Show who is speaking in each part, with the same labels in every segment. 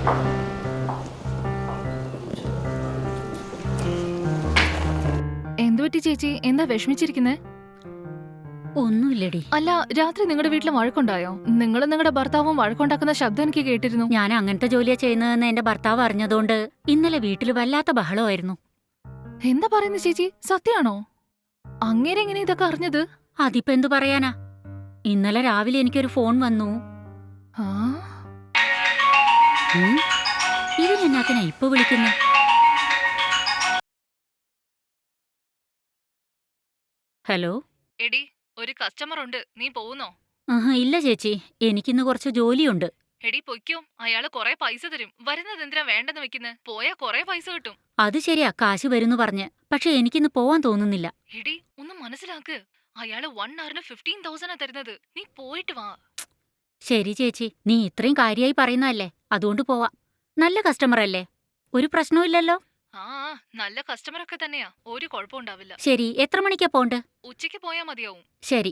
Speaker 1: എന്തുപറ്റി ചേച്ചി? എന്താ വിഷമിച്ചിരിക്കുന്നേ?
Speaker 2: ഒന്നുമില്ലടി.
Speaker 1: അല്ല, രാത്രി നിങ്ങളുടെ വീട്ടിൽ വഴക്കുണ്ടായോ? നിങ്ങളും നിങ്ങളുടെ ഭർത്താവും വഴക്കുണ്ടാക്കുന്ന ശബ്ദം എനിക്ക് കേട്ടിരുന്നു.
Speaker 2: ഞാൻ അങ്ങനത്തെ ജോലിയാ ചെയ്യുന്നതെന്ന് എന്റെ ഭർത്താവ് അറിഞ്ഞതുകൊണ്ട് ഇന്നലെ വീട്ടിൽ വല്ലാത്ത ബഹളമായിരുന്നു.
Speaker 1: എന്താ പറയുന്നത് ചേച്ചി? സത്യാണോ? അങ്ങേരെ എങ്ങനെ ഇതൊക്കെ അറിഞ്ഞത്?
Speaker 2: അതിപ്പോ എന്തു പറയാനാ, ഇന്നലെ രാവിലെ എനിക്കൊരു ഫോൺ വന്നു.
Speaker 1: ആ,
Speaker 2: ഇതിനെന്നാത്തിനാ ഇപ്പൊ വിളിക്കുന്നേ? ഹലോ.
Speaker 1: എടി, ഒരു കസ്റ്റമർ ഉണ്ട്, നീ പോകുന്നോ?
Speaker 2: ഇല്ല ചേച്ചി, എനിക്കിന്ന് കുറച്ച് ജോലിയുണ്ട്.
Speaker 1: എടി പൊയ്ക്കോ, അയാള് കൊറേ പൈസ തരും. വരുന്നത് എന്തിനാ വേണ്ടെന്ന് വെക്കുന്നത്? പോയാ കൊറേ പൈസ കിട്ടും.
Speaker 2: അത് ശരിയാ, കാശ് വരുന്നു പറഞ്ഞ്. പക്ഷെ എനിക്കിന്ന് പോവാൻ തോന്നുന്നില്ല.
Speaker 1: എടി, ഒന്ന് മനസ്സിലാക്ക്. അയാള് 1 hourന് 15,000 തരുന്നത്. നീ പോയിട്ട് വാ.
Speaker 2: ശരി ചേച്ചി, നീ ഇത്രയും കാര്യായി പറയുന്നതല്ലേ, അതുകൊണ്ട് പോവാം. നല്ല കസ്റ്റമർ അല്ലേ, ഒരു പ്രശ്നവും.
Speaker 1: ആ, നല്ല കസ്റ്റമർ ഒക്കെ തന്നെയാ, ഒരു കുഴപ്പമുണ്ടാവില്ല.
Speaker 2: ശരി, എത്ര മണിക്കാ പോണ്ട്?
Speaker 1: ഉച്ചയ്ക്ക് പോയാ മതിയാവും.
Speaker 2: ശരി.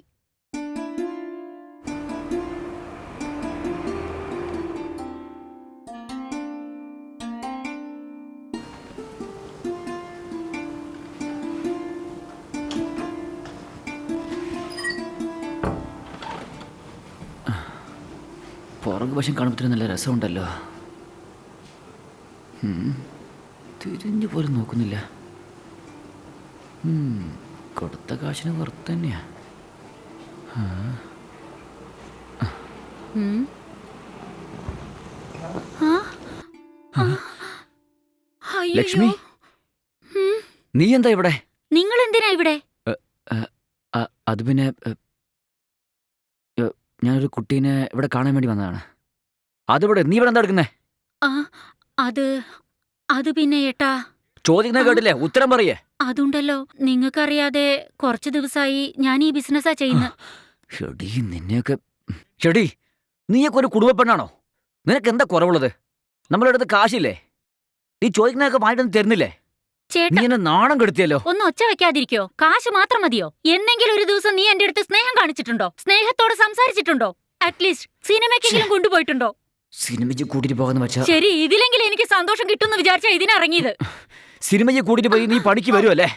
Speaker 3: പുറകു വശം കാണുമ്പോൾ നല്ല രസമുണ്ടല്ലോ. തിരിഞ്ഞു പോലും നോക്കുന്നില്ല. കൊടുത്ത കാശിന് വെറുതെ തന്നെയാ. ലക്ഷ്മി, നീ എന്താ ഇവിടെ?
Speaker 2: നിങ്ങൾ എന്തിനാ ഇവിടെ?
Speaker 3: അത് പിന്നെ ഞാനൊരു കുട്ടീനെ ഇവിടെ കാണാൻ വേണ്ടി വന്നതാണ്. അതിവിടെ, നീ ഇവിടെ എന്താ എടുക്കുന്നേ?
Speaker 2: അത് പിന്നെ ഏട്ടാ,
Speaker 3: ചോദിക്കുന്ന കേട്ടില്ലേ, ഉത്തരം പറയേ.
Speaker 2: അതുണ്ടല്ലോ, നിങ്ങൾക്കറിയാതെ കുറച്ചു ദിവസമായി ഞാൻ ഈ ബിസിനസ്സാ ചെയ്യുന്നത്.
Speaker 3: ഷെടി, നിന്നെയൊക്കെ. ഷെടി, നീയൊക്കെ ഒരു കുടുംബ പെണ്ണാണോ? നിനക്ക് എന്താ കുറവുള്ളത്? നമ്മളുടെ അടുത്ത് കാശില്ലേ? നീ ചോദിക്കുന്നതൊക്കെ വാങ്ങിട്ടൊന്നും തരുന്നില്ലേ? നീ എന്നെ നാണം കെടുത്തിയല്ലോ.
Speaker 2: ഒന്ന് ഒച്ച വെക്കാതിരിക്കോ? കാശ് മാത്രം മതിയോ? എന്തെങ്കിലും ഒരു ദിവസം നീ എന്റെ അടുത്ത് സ്നേഹം കാണിച്ചിട്ടുണ്ടോ? സ്നേഹത്തോട് സംസാരിച്ചിട്ടുണ്ടോ? അറ്റ്ലീസ്റ്റ് സിനിമയ്ക്കെങ്കിലും കൊണ്ടുപോയിട്ടുണ്ടോ?
Speaker 3: സിനിമയ്ക്ക് കൂട്ടിട്ട് പോകാന്ന് വെച്ചാ
Speaker 2: ശരി, ഇതിലെങ്കിലും എനിക്ക് സന്തോഷം കിട്ടുമെന്ന് വിചാരിച്ചാ ഇതിനിറങ്ങിയത്.
Speaker 3: സിനിമയ്ക്ക് കൂട്ടിട്ട് പോയി നീ പണിക്ക് വരുമല്ലേ?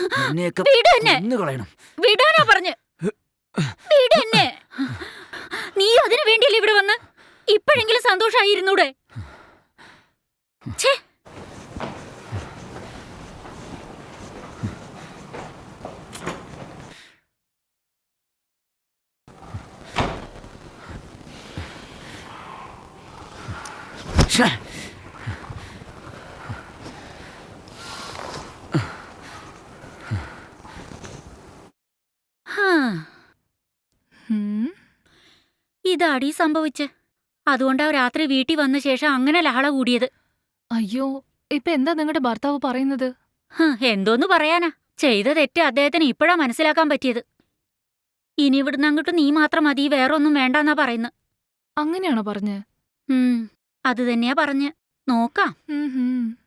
Speaker 2: വിടാനാ പറഞ്ഞ്. വീട് എന്നെ. നീ അതിനു വേണ്ടിയല്ലേ ഇവിടെ വന്ന്? ഇപ്പോഴെങ്കിലും സന്തോഷായിരുന്നൂടെ? ഛേ, ഇതാടി സംഭവിച്ച്. അതുകൊണ്ടാ രാത്രി വീട്ടിൽ വന്ന ശേഷം അങ്ങനെ ലഹള കൂടിയത്.
Speaker 1: അയ്യോ, ഇപ്പൊ എന്താ നിങ്ങളുടെ ഭർത്താവ് പറയുന്നത്?
Speaker 2: എന്തോന്ന് പറയാനാ, ചെയ്ത തെറ്റ് അദ്ദേഹത്തിന് ഇപ്പോഴാ മനസ്സിലാക്കാൻ പറ്റിയത്. ഇനി ഇവിടുന്ന് അങ്ങോട്ട് നീ മാത്രം മതി, വേറെ ഒന്നും വേണ്ടെന്നാ പറയുന്നത്.
Speaker 1: അങ്ങനെയാണോ പറഞ്ഞ്?
Speaker 2: അത് തന്നെയാ പറഞ്ഞ്. നോക്കാം.